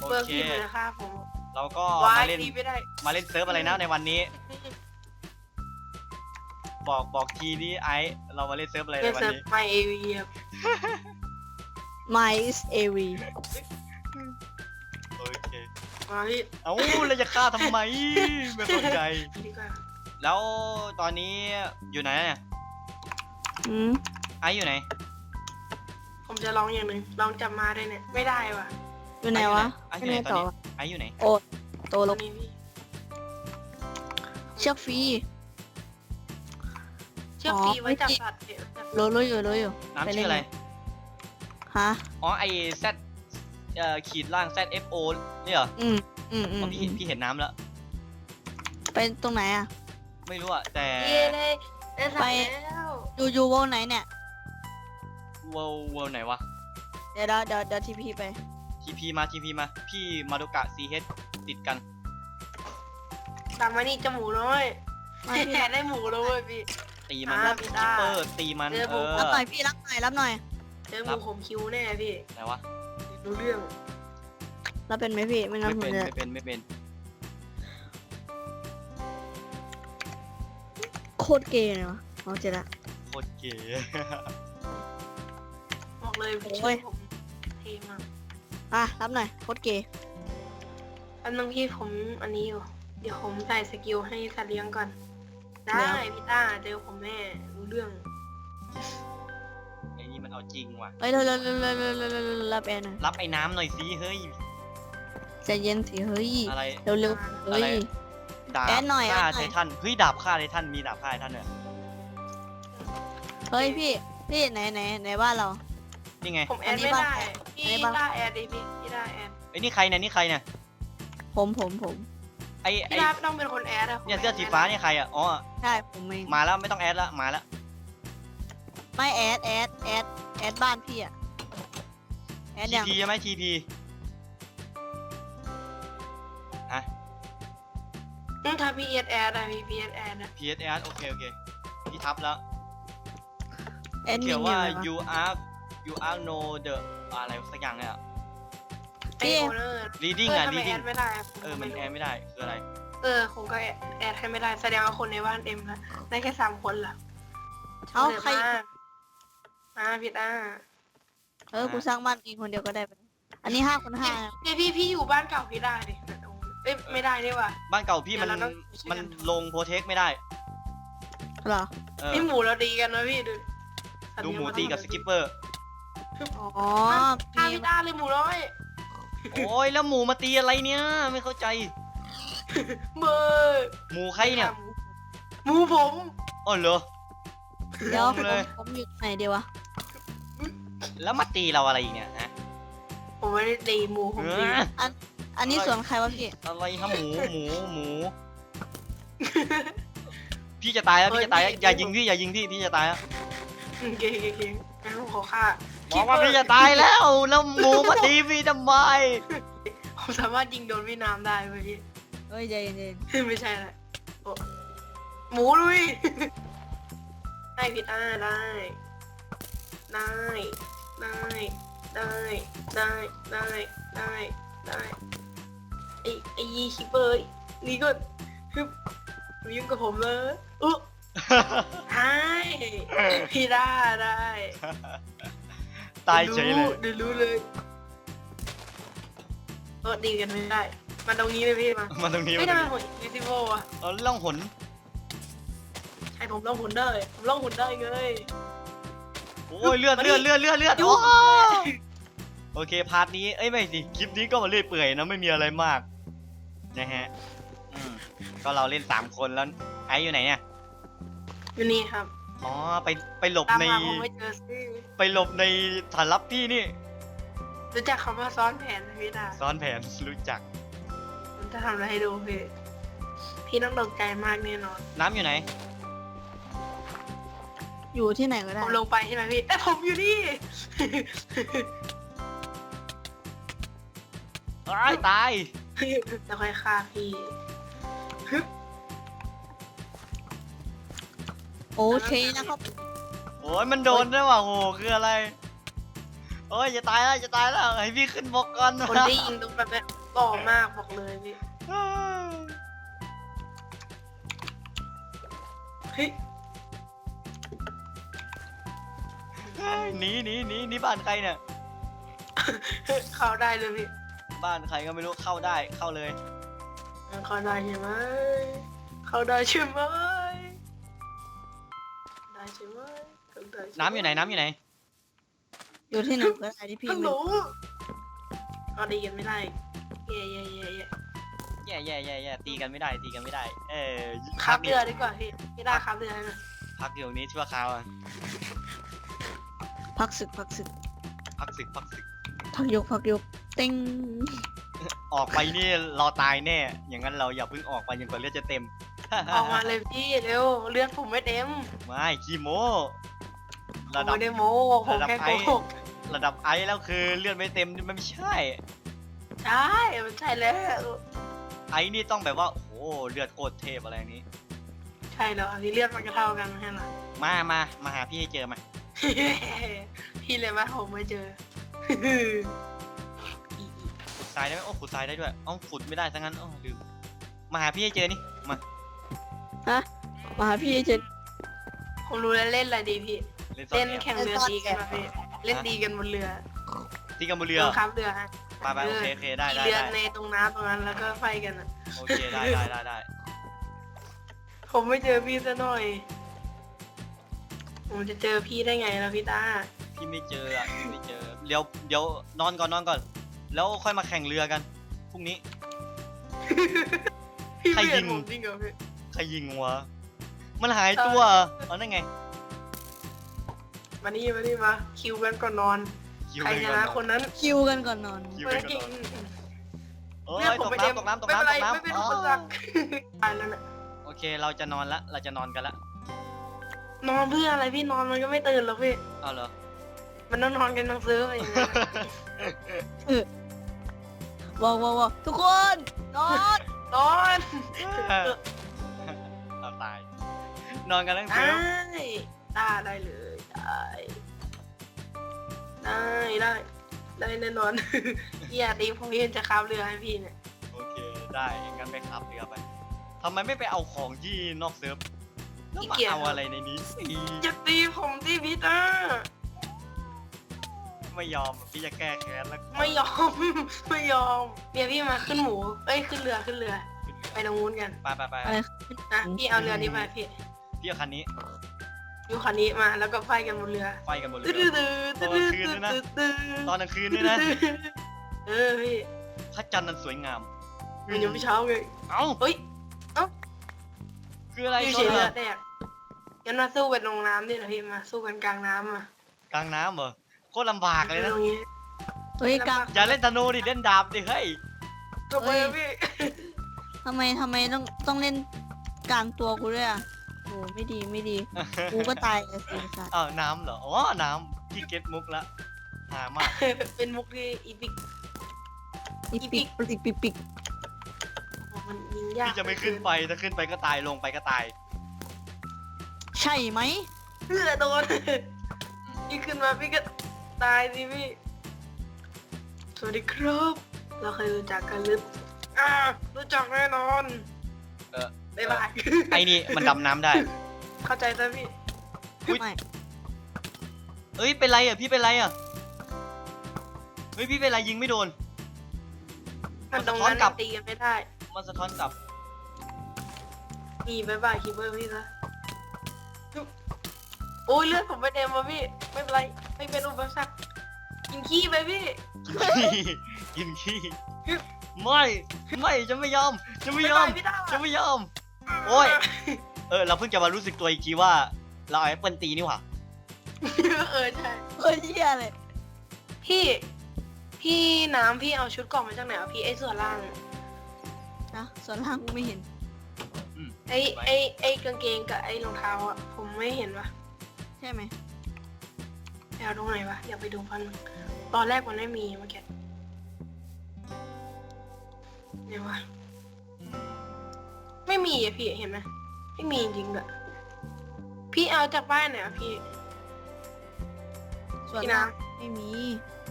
เบอร์พี่เลยค่ะผมเราก็วามาย เล่นพี่ไม่ได้มาเล่นเซิร์ฟอะไรนะในวันนี้ บอกทีนี้ไอเรามาเล่นเซิร์ฟอะไรเล่ในนวันเซิร์ฟนี้ไมเอวีครับ My is AV โอเคมาพี่เอ้าเราจะฆ่าทำไมไม่เข้าใจดีกว่าแล้วตอนนี้อยู่ไหนเนี่ยอืมไออยู่ไหนผมจะลองอย่างหนึ่งลองจับมาได้เนี่ยไม่ได้ว่ะอยู่ไหนวะไออไม่ยู่ไหนได้ตอนต่อนี้ไออยู่ไหนโอ้โตตแล้อวนนี้พี่เชือกฟรีเชือกฟรีไว้จับสัตว์เดี๋ยวจับรู้อยู่น้ำชื่ออะไรฮะอ๋อไอแซดขีดล่าง ZFO เนี่ยเหรออืมอ๋อพี่เห็นน้ำแล้วเป็นตรงไหนอ่ะไม่รู้อะแต่เย้ได้สัตว์แล้วอยู่วงไหนเนี่ยเวลไหนวะเดี๋ยวทีพีไป TP มาพี่มาโดกะ CH ติดกันตามมานี่จมูกน้อยมาพี่แค่ได้หมูแล้วเว้ยพี่ตีมันอ่าแล้วพี่คิต้าปเปอร์ตีมันเจอผมรับหน่อยพี่รับหน่อยเจอหมูผมคิวแน่พี่ไหนวะรู้เรื่องรับเป็นไหมพี่ไม่งั้นผมจะไม่เป็นโคตรเกย์เลยวะเอาเจอละโคตรเก๋บอกเลยโอ้ชื่อย ผมเท่มากอ่ะรับหน่อยโคตรเกย์อันนึงพี่ผมอันนี้อยู่เดี๋ยวผมใส่สกิลให้สัตว์เลี้ยงก่อน ได้พี่ต้าเจอผมแน่รู้เรื่องไอ้นี่มันเอาจริงว่ะเฮ้ยเร็วรับแอนหน่อยรับไอ้น้ำหน่อยสิเฮ้ยใจเย็นสิเฮ้ยอะไรเร็วเฮ้ยดาบแอดหน่อยฆ่าแอดหน่ไทอยทันเฮ้ยดาบฆ่าไททันมีดาบฆ่าไททันเนี่ยเฮ้ยพี่ไหนบ้านเรานี่ไงผมแออัดนนี้ไม่บ้างได้อันนี้พี่บ้างต้าแอดดิพี่ต้าแอดไอ้นี่ใครเนี่ยผมไอ้พี่ต้าต้องเป็นคนแอดอะเนี่ยเสื้อสีฟ้าเนี่ยใครอ่ะอ๋อใช่ผมเองมาแล้วไม่ต้องแอดละมาแล้วไม่แอดบ้านพี่อะแอดยัง TP ใช่ไหม TP ฮะถ้าพี่แอดอะพี่แอดอะ PSS โอเคพี่ทับแล้วแอดมิเขีนยนเนี่ว่ายอะไรวะ you are no the อะไรสักอย่างเนี่ยไอโอเนอร์ reading อ่ะทำไมแอ reading ดไม่ได้อะมันแอดไม่ได้คืออะไรผมก็แอดให้ไม่ได้แสดงว่าคนในบ้านเอ็มนะได้แค่3 คนล่ะเอ้าใครมาพี่ต้ากูสร้างบ้านเองคนเดียวก็ได้ไปอันนี้5 คน 5 เนี่ยพี่อยู่บ้านเก่าพี่ได้ดิไม่ได้นี่ว่ะบ้านเก่าพี่มันเดี๋ยวเราต้องมันลงโปรเทคไม่ได้เหรอพี่หมูเราดีกันนะพี่ดูดูหมูตีกับสกิปเปอร์อ๋อฆ่าพี่ต้าเลยหมูน้อยโอ้ยแล้วหมูมาตีอะไรเนี่ยไม่เข้าใจเบอร์หมูใครเนี่ยหมูผมอ๋อเหรอเดี๋ยวงงเลยผมอยู่ไหนเดียววะแล้วมาตีเราอะไรอีกเนี่ยฮะผมไม่ได้ตีหมูผมตีอันนี้สวนใครวะพี่อะไรฮะหมู พี่จะตายแล้วอย่ายิงพี่พี่จะตายแล้วเก่งงั้นผมขอฆ่าบอกว่าพี่จะตายแล้วหมูมาตีพี่ทำไมผมสามารถยิงโดนพี่น้ำได้เว้ยพี่เฮ้ยใจเย็นไม่ใช่แหละโอ้หมูลุย ได้พี่ต้าได้ไอ้ยีคิปเปอร์นี่ก็ฮึบหนูยุ่งกับผมเลยใช่พี่ได้ตายเฉยเลยเดี๋ยวรู้เลยดีกันไม่ได้มาตรงนี้เลยพี่มามาตรงนี้ไม่ได้ผมวิซิโวอะเอาล่องหนใช่ผมล่องหุ่นได้ผมล่องหุ่นได้เลยโอ้ยเลือดมาดิโอ้โอเคพาร์ทนี้ไม่สิคลิปนี้ก็มาเรื่อยเปื่อยนะไม่มีอะไรมากนะฮะก็เราเล่น3 คนแล้วไออยู่ไหนเนี่ยอยู่นี่ครับอ๋อไปหลบตามในมาผมไม่เจอซิไปหลบในฐานลับพี่นี่รู้จักคำว่าซ้อนแผนไหมพี่ดาซ้อนแผนรู้จักผมจะทำอะไรให้ดูพี่ต้องตกใจมากแน่นอนน้ำอยู่ไหนอยู่ที่ไหนก็ผได้มลงไปใช่ไหมพี่ผมอยู่นี่ตายแล้วค่อยฆ่าพี่โอเคนะครับโอ้ยมันโดนด้วยว่ะโหคืออะไรโอ้ยจะตายแล้วจะตายแล้วให้พี่ขึ้นบกก่อนคนที่ยิงตรงแบบนี้หล่อมากบอกเลยพี่เฮ้ยหนีบ้านใครเนี่ยเข้าได้เลยพี่บ้านใครก็ไม่รู้เข้าได้เข้าเลยเข้าได้ใช่ไหมเข้าได้ใช่ไหมได้ใช่ไหมเข้าได้ใช่ไหมน้ำอยู่ไหนน้ำอยู่ไหนอยู่ที่ไหนก็ได้ที่พี่ฮัลโหลไม่เอาดีกันไม่ได้เย่แย่ตีกันไม่ได้ตีกันไม่ได้ขับเรือดีกว่าพี่ได้ขับเรือนะพักอยู่ตรงนี้ชั่วคราวอะพักศึกพักศึกพักศึกพักยกเต็งออกไปนี่เราตายแน่ อย่างนั้นเราอย่าเพิ่งออกไปจนกว่าเลือดจะเต็มออกมาเลยพี่เร็วเลือดผมไม่เต็มไม่ขี้โมผมระดับไม่ได้โม้ผมแค่โกหกระดับไอซ์แล้วคือเลือดไม่เต็มนี่มันไม่ใช่ใช่มันใช่แล้วไอซ์นี่ต้องแบบว่าโอ้โหเลือดโคตรเทพอะไรอย่างนี้ใช่แล้วพี่เลือดมันก็เท่ากันใช่ไหมมาหาพี่ให้เจอมาพี่เลยว่าผมไม่เจอขุดทรายได้ไหมโอ้ขุดทรายได้ด้วยขุดไม่ได้ซะงั้นลืมมาหาพี่ให้เจอนี่มาฮะมาหาพี่เจนผมรู้แล้วเล่นอะไรดีพี่เล่นซ่อเล่นนแอบแข่งเรือตีกันมาพี่เล่นตีกันบนเรือตีกันบนเรือบังคับเรือฮะไปโอเคได้ตีเรือในตรงน้ำตรงนั้นแล้วก็ไฟกันอ่ะโอเคได้ผมไม่เจอพี่ซะหน่อย ผมจะเจอพี่ได้ไงล่ะพี่ตาพี่ไม่เจอพี่ไม่เจอเดี๋ยวนอนก่อนแล้วค่อยมาแข่งเรือกันพรุ่งนี้พี่ใครไม่ยิเห็นงผมจริงเหรอพี่ใครยิงวะมันหายตัวเอานั่นไงมานี่มาคิวกันก่อนนอนคิวใครเลยชก่อนนะเนอะคนนั้นคิวกันก่อนนอนคิวเมื่เลอยก่กี้อนเอ้เลือดยผมตกไม่เต็มน้ำไม่เป็นไรไม่เป็นอ๋อุอปสรรคตายแล้วน่ะโอเคเราจะนอนกันละนอนเพื่ออะไรพี่นอนมันก็ไม่ตื่นหรอกพี่เอาเหรอมันต้องนอนกันทั้งซื้ออะไรอย่างเงี้ยว้าวทุกคนนอนนอนเราตาย นอนกันทั้งคืได้นได้เลยได้แน่นอน อย่าตีผมพี่จะขับเรือให้พี่เนี่ยโอเคได้งั้นไปขับเรือไปทำไมไม่ไปเอาของที่นอกเซิร์ฟแล้วมาเอาอะไรในนี้อย่าตีผมที่พี่ตาไม่ยอมพี่จะแก้แค้นแล้วไม่ยอม ไม่ยอมเดี๋ยวพี่มาขึ้นหมูเอ้ยขึ้นเรือไปตรงนู้นกันไปอะไรนะพี่เอาเรือนี้มาพี่พี่เอาคันนี้อยู่คันนี้มาแล้วก็ไฟกันบนเรือไฟกันหมดเลยตตอนกลางคืนด้วยนะเออพี่พระจันทร์นั้นสวยงามมันยังไม่เช้าเลยเอ้าเฮ้ยคืออะไรอยู่ชเฉนยเหรอแดกงั้นมาสู้กันลงน้ำดินะพี่มาสู้กันกลางน้ำอ่ะกลางน้ำเหรอโคตรลำบากเลยนะตรงนี้เฮ้ยกลางอย่าเล่นธนูดิเล่นดาบดิเฮ้ยก็ไปพี่ทำไมต้องเล่นกลางตัวกูด้วยอ่ะโอ้ไม่ดีกูก็ตายเลยสิสัตว์อ้าวน้ำเหรออ๋อน้ำพี่เก็ตมุกละหามากเป็นมุกที่อีพิกอีปิกมันยิงยากพี่จะไม่ขึ้นไปถ้าขึ้นไปก็ตายลงไปก็ตายใช่ไหมเพื่อโดนพี่ขึ้นมาพี่ก็ตายสิพี่สวัสดีครับ เราเคยรู้จักกันหรือรู้จักแน่นอน บ๊ายบายไอ้นี่มันดำน้ำได้เข้าใจซะพี่อุ๊ยไม่เอ้ยเป็นไรอ่ะพี่เป็นไรอ่ะเฮ้ยพี่เป็นไรยิงไม่โดนมันตรงนั้นมันสะท้อนกลับตีกันไม่ได้มันสะท้อนกลับมีบ๊ายบายคิปเปอร์พี่ซะโอ้ยเลือดผมไม่เต็มว่ะพี่ ไม่เป็นไร ไม่เป็นอุปสรรคกินขี้ไปพี่กินขี้ไม่จะไม่ยอมจะไม่ยอมบ๊ายบายพี่ดาวจะไม่ยอม โอ้ย เราเพิ่งจะมารู้สึกตัวอีกทีว่า เราเอาแอปเปิลตีนี่หว่าใช่เฮ้ยเหี้ยเลยพี่น้ำพี่เอาชุดเกล่องมาจากไหนอ่ะพี่ไอ้ส่วนล่างนะส่วนล่างกูไม่เห็นไอ้กางเกงกับไอ้รองเท้าอ่ะผมไม่เห็นว่ะใช่ไหมไปเอาตรงไหนวะอยากไปดูพันงตอนแรกมันไม่มีเมื่อกี้เดี๋ยววะไม่มีอ่ะพี่เห็นไหมไม่มีจริงๆด้วยพี่เอาจากบ้านไหนอ่ะพี่ส่วนพี่ล่างน้ำไม่มี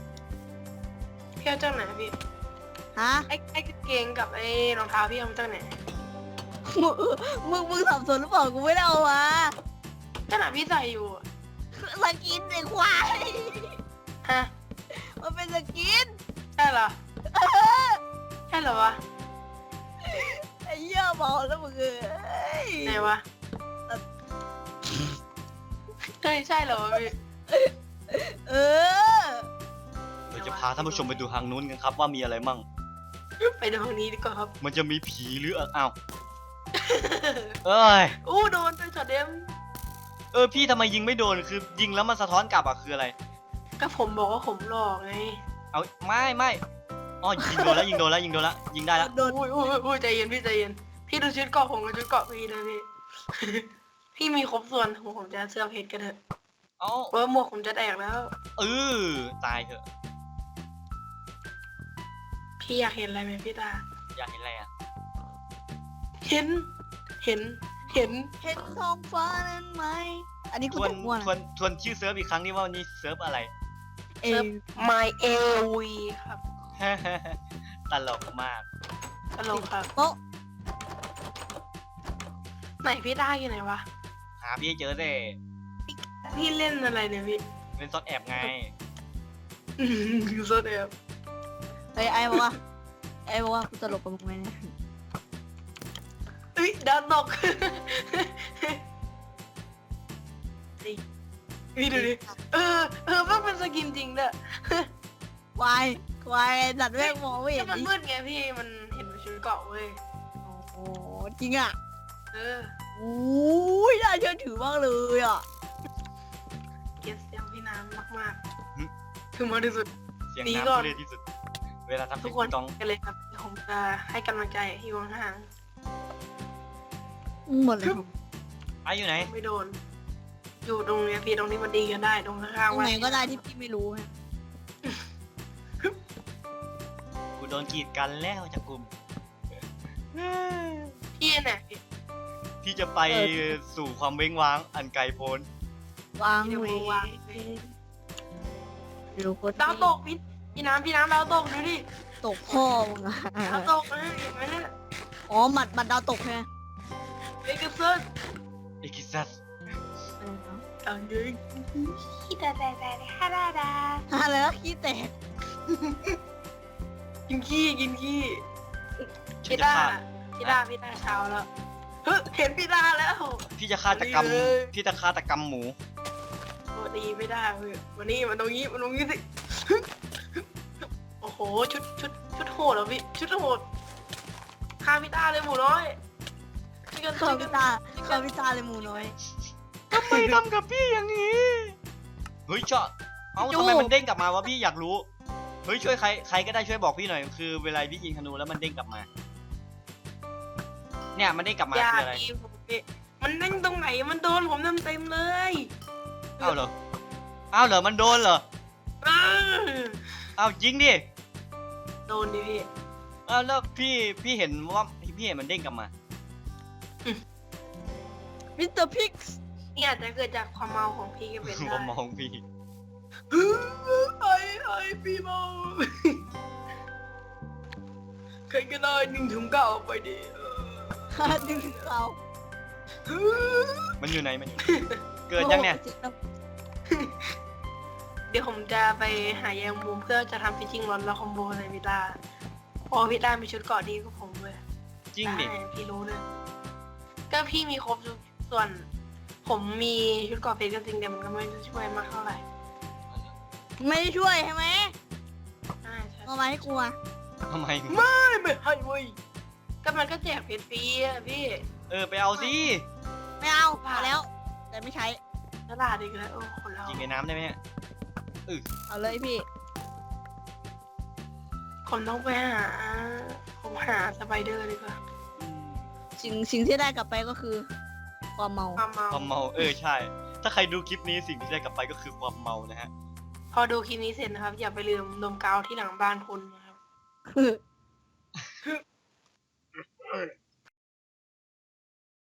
พี่เอาจากไหนพี่ฮะไอ้กางเกงกับไอ้รองเท้าพี่เอามาจากไหนมึงสับสนหรือเปล่ากูไม่ได้เอามาขนาดพี่ใส่อยู่อะสกินไอ้ควายฮะมันเป็นสกินใช่เหรอใช่เหรอวะไอ้เหี้ยบอกแล้วมึงเอ้ยไหนวะเฮ้ยใช่เหรอวะพี่เออเราจะพาท่านผู้ชมไปดูทางนู้นกันครับว่ามีอะไรมั่งไปดูทางนี้ดีกว่าครับมันจะมีผีหรืออ้าวเอ้ยอู้โดนไปช็อตเดมพี่ทำไมยิงไม่โดนคือยิงแล้วมันสะท้อนกลับอะคืออะไรก็ผมบอกว่าผมหลอกไงเอาไม่อ๋อยิงโดนแล้วยิงได้แล้วโดนอุ้ยใจเย็นพี่ใจเย็นพี่ดูชุดเกราะผมกับชุดเกราะพี่นะพี่ พี่มีครบส่วนผมจะเสื้อเพชรกันเถอะเอ้าเพราะว่าหมวกผมจะแตกแล้วตายเถอะพี่อยากเห็นอะไรไหมพี่ตาอยากเห็นอะไรอะเห็นเห็นท้องฟ้านั้นไหมอันนี้ทกูวนตกม่วนทวนชื่อเซิร์ฟอีกครั้งนี่ว่าวันนี้เซิร์ฟอะไรเอเซิร์ฟ My AOV ครับตลกมากตลกครับโต๊ะไหนพี่ตาอยู่ไหนวะหาพี่ให้เจอเด้พี่เล่นอะไรเนี่ยพี่เล่นซ่อนแอบไงคือโซเดียมไอ้บอกว่ากูตลกกับมึงไหมเนี่ยเอ้ยดาวตก พี่ดูดิมันเป็นสกินจริงเด้อควายสัตว์แม่งมองไม่เห็นมันดิมืดไงพี่มันเห็นเป็นชุดเกราะเว้ยโอ้โหจริงอ่ะเอออุ้ยน่าเชื่อถือมากเลยอ่ะเกลียดเสียงพี่น้ำมากหึๆถึงมากที่สุดเสียงหนีน้ำก่อนทุเรศที่สุด เวลาทำทุเสียกงคนต้องกันเลยครับผมจะให้กำลังใจที่วางห่างหมดเลยไอ้อยู่ไหนไม่โดน อยู่ตรงเนี้ยพี่ตรงนี้มันดีกันได้ตรงข้างตๆรงวัไหนก็ได้ที่พี่ไม่รู้ฮะกูโดนกีดกันแล้วจากกลุ่มพี่เนี่ยพี่ที่จะไปสู่ความเว้งว้างอันไกลโพ้นวางเดี๋ยวเววางรู้โคตรดาวตกพี่น้ำดาวตกดูดิตกพ่อมึงอะดาวตกนะเห็นไหมเนี่ยอ๋อหมัดดาวตกใช่ไหมเบเกอร์เซิร์เอกิซัสเอาเยอะขี้แต่ฮ่าดาดาอะไรนะขี้แตกกินขี้ฉันพี่จะดาฆ่าพี่ดาเช้าแล้วเฮ้ยเห็นพี่ดาแล้วพี่จะฆาตกรรมดีเลยพี่จะฆาตกรรมหมูโอ้ดีไม่ได้เว้ยวันนี้มันตรงนี้สิ โอ้โหชุดโหดเหรอพี่ชุดโหดฆ่าพี่ดาเลยหมูน้อยช่วยกันข้าช่วยพิกันตาข้าพิตาเลยหมูน้อยทำไมทำกับพี่อย่างนี้ เฮ้ยเจาะเอ้าจูทำไมมันเด้งกลับมาวะพี่อยากรู้ เฮ้ยช่วยใครก็ได้ช่วยบอกพี่หน่อย คือเวลาพี่ยิงธนูแล้วมันเด้งกลับมา เนี่ยมันเด้งกลับมาอย่าคืออะไรดีผมพี่มันเด้งตรงไหนมันโดนผมเต็มเลยอ้าวเหรอ มันโดนเหรออ้าอ้าวจริงดิโดนดิพี่อ้าวแล้วพี่เห็นว่าพี่เห็นมันเด้งกลับมามิสเตอร์พิกส์นี่อาจจะเกิดจากความเมาของพี่ก็เป็นผได้มมองพี่ไอ้พี่เมาใครก็ได้1-9ออกไปดิดึงเรามันอยู่ไหนเกิดยังเนี่ยเดี๋ยวผมจะไปหาแยมมุมเพื่อจะทำฟิชชิ่งรอนแล้วคอมโบในวิลาพอวิลามีชุดเกราะดีกว่าผมเลยจริงดิได้พี่รู้เลยก็พี่มีครบทุกส่วน ผมมีชุดเกราะเพชรก็จริงแต่มันก็ไม่ได้ช่วยมากเท่าไหร่ไม่ได้ช่วยใช่ไหมใช่ใช่เอามาให้กูอะทำไมไม่ให้เว้ยก็มันก็แจกเพชรฟรีอะพี่ไปเอาสิไม่เอาเอาแล้ว แต่ไม่ใช้ตลาดอีกแล้วโอ้คนเรายิงในน้ำได้ไหมเนี่ยเอาเลยพี่ผมต้องไปหา ผมหาสไปเดอร์ดีกว่าสิ่งที่ได้กลับไปก็คือ ความเมาความเมาความเมาใช่ ถ้าใครดูคลิปนี้สิ่งที่ได้กลับไปก็คือความเมานะฮะพอดูคลิปนี้เสร็จนะครับ อย่าไปลืมดมกาวที่หลังบ้านคุณนะครับ